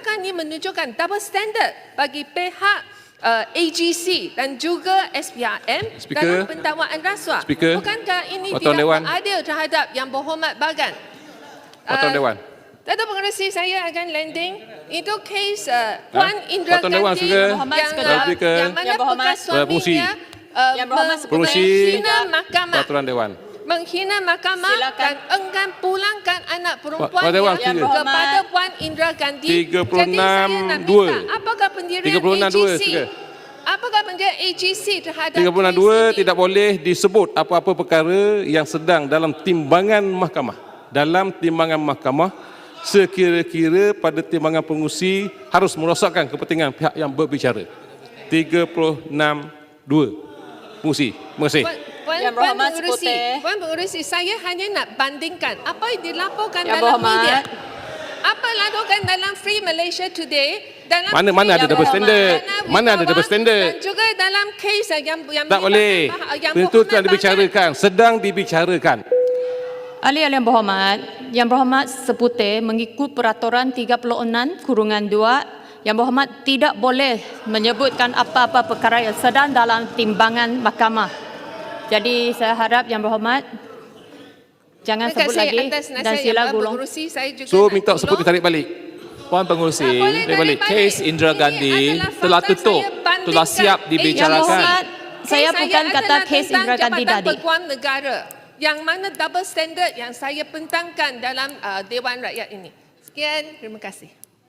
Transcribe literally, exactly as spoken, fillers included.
adakah ini menunjukkan double standard bagi pihak uh, A G C dan juga S P R M Speaker. dalam pendakwaan rasuah? Speaker. Bukankah ini Pertuan tidak Dewan. adil terhadap Yang Berhormat Bagan? Pertuan Uh, Dewan. Datuk Pengerusi, saya akan landing. Itu kes uh, Puan Indira Pertuan Dewan, Gandhi Speaker. yang, Speaker. uh, Speaker. yang mana Yang Berhormat. bekas suaminya uh, Yang Berhormat, meng- Pengerusi. menghina mahkamah. Peraturan Dewan. Menghina mahkamah Silakan. dan enggan pulangkan anak perempuan Pertuan Dewan, yang Speaker. kepada Puan Indira Gandhi. tiga puluh enam Jadi saya nak dua. minta, apakah pendirian tiga puluh enam dua, A G C? Speaker. Apakah pendirian A G C terhadap tiga puluh enam kes dua ini? tidak boleh disebut apa-apa perkara yang sedang dalam timbangan mahkamah. Dalam timbangan mahkamah, sekira-kira pada timbangan pengurusi harus merosakkan kepentingan pihak yang berbicara. tiga puluh enam dua. Pengurusi. Terima kasih. Puan, Puan, Yang Puan Berhormat Pengerusi, Seputeh. Puan Pengerusi, saya hanya nak bandingkan apa yang dilaporkan Yang dalam Berhormat. media. Apa lakukan dalam Free Malaysia Today, dalam Mana mana Free ada Yang double Berhormat, standard? Dana Mana ada Wibawa double standard? Dan juga dalam kes yang yang Tak boleh. melibatkan Yang Itu Berhormat telah dibicarakan. Sedang dibicarakan. Ahli Yang Berhormat, Yang Berhormat Seputih mengikut peraturan tiga puluh enam kurungan dua, Yang Berhormat tidak boleh menyebutkan apa-apa perkara yang sedang dalam timbangan mahkamah. Jadi saya harap Yang Berhormat jangan Terima sebut kasih lagi atas dan nasihat sila Yang Puan gulung. Pengerusi. Saya juga So nak minta tolong. sebut ditarik balik. Puan Pengerusi, Tak boleh Dia balik. tarik balik. kes Indira Ini Gandhi adalah telah fakta tutup, saya bandingkan. telah siap Eh, dibicarakan. Yang Berhormat, saya Kes bukan kata adalah kes tentang Indira Gandhi Jabatan tadi. Peguam Negara yang mana double standard yang saya pentangkan dalam uh, Dewan Rakyat ini. Sekian, terima kasih.